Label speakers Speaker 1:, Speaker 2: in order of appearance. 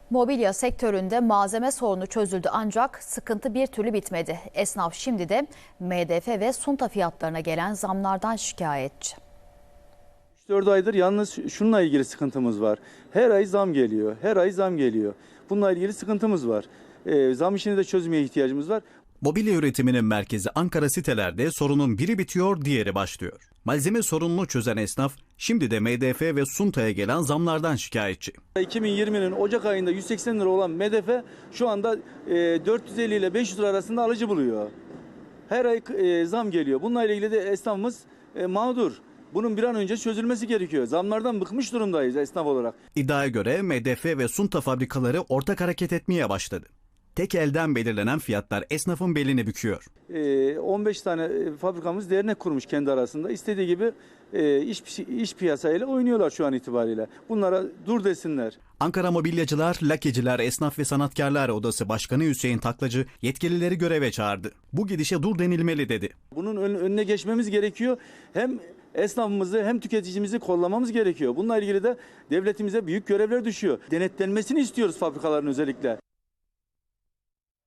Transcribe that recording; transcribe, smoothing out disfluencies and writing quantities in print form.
Speaker 1: Mobilya sektöründe malzeme sorunu çözüldü ancak sıkıntı bir türlü bitmedi. Esnaf şimdi de MDF ve sunta fiyatlarına gelen zamlardan şikayetçi.
Speaker 2: 3-4 aydır yalnız şununla ilgili sıkıntımız var. Her ay zam geliyor, her ay zam geliyor. Bununla ilgili sıkıntımız var. Zam işini de çözmeye ihtiyacımız var.
Speaker 3: Mobilya üretiminin merkezi Ankara sitelerde sorunun biri bitiyor, diğeri başlıyor. Malzeme sorununu çözen esnaf şimdi de MDF ve suntaya gelen zamlardan şikayetçi.
Speaker 2: 2020'nin Ocak ayında 180 lira olan MDF şu anda 450 ile 500 lira arasında alıcı buluyor. Her ay zam geliyor. Bununla ilgili de esnafımız mağdur. Bunun bir an önce çözülmesi gerekiyor. Zamlardan bıkmış durumdayız esnaf olarak.
Speaker 3: İddiaya göre MDF ve sunta fabrikaları ortak hareket etmeye başladı. Tek elden belirlenen fiyatlar esnafın belini büküyor.
Speaker 2: 15 tane fabrikamız dernek kurmuş kendi arasında. İstediği gibi iş piyasayla oynuyorlar şu an itibariyle. Bunlara dur desinler.
Speaker 3: Ankara Mobilyacılar, Lakeciler, Esnaf ve Sanatkarlar Odası Başkanı Hüseyin Taklacı yetkilileri göreve çağırdı. Bu gidişe dur denilmeli dedi.
Speaker 2: Bunun önüne geçmemiz gerekiyor. Hem esnafımızı hem tüketicimizi kollamamız gerekiyor. Bununla ilgili de devletimize büyük görevler düşüyor. Denetlenmesini istiyoruz fabrikaların özellikle.